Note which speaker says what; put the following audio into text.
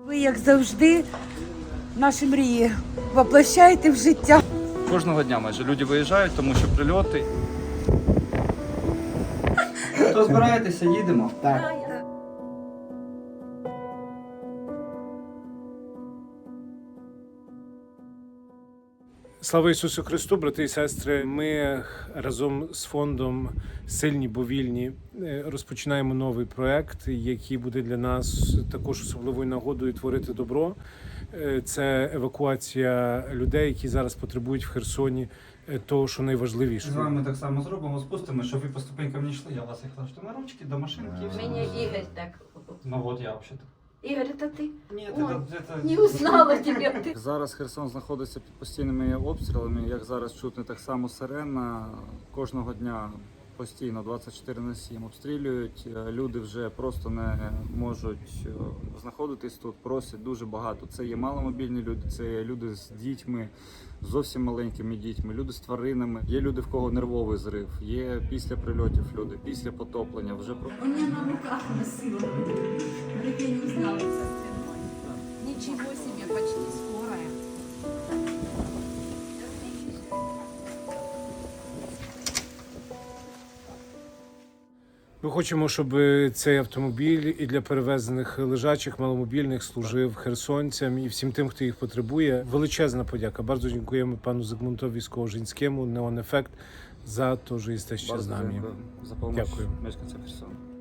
Speaker 1: Ви, як завжди, наші мрії воплощаєте в життя.
Speaker 2: Кожного дня майже люди виїжджають, тому що прильоти. То збираєтеся, їдемо?
Speaker 3: Так.
Speaker 4: Слава Ісусу Христу, брати і сестри. Ми разом з фондом «Сильні, бо вільні» розпочинаємо новий проект, який буде для нас також особливою нагодою творити добро. Це евакуація людей, які зараз потребують в Херсоні того, що найважливіше.
Speaker 2: З вами так само зробимо, спустимо, щоб ви по ступенькам не йшли. Я вас їх лашту на ручки до машинки і все.
Speaker 3: Меня Игорь так.
Speaker 2: Ну от я взагалі.
Speaker 3: Игорь, это ты?
Speaker 2: Ні,
Speaker 3: Ой, не узнала тебя. Ты.
Speaker 5: Зараз Херсон знаходиться під постійними обстрілами. Як зараз чутно, так само сирена. Кожного дня постійно 24/7 обстрілюють. Люди вже просто не можуть знаходитись тут, просять дуже багато. Це є маломобільні люди, це є люди з дітьми, зовсім маленькими дітьми, люди з тваринами. Є люди, в кого нервовий зрив, є після прильотів люди, після потоплення. Вже
Speaker 6: У меня на руках носила. Говорит, я не узнала со спиной. Ничего себе, почти скорая.
Speaker 4: Ми хочемо, щоб цей автомобіль і для перевезених лежачих маломобільних служив херсонцям і всім тим, хто їх потребує. Величезна подяка. Bardzo dziękujemy panu Zygmuntowi Skołożyńskiemu, Neon Effect, za to, że jesteście z nami.
Speaker 5: за допомогу
Speaker 4: Дякую.
Speaker 5: мешканцям Херсону.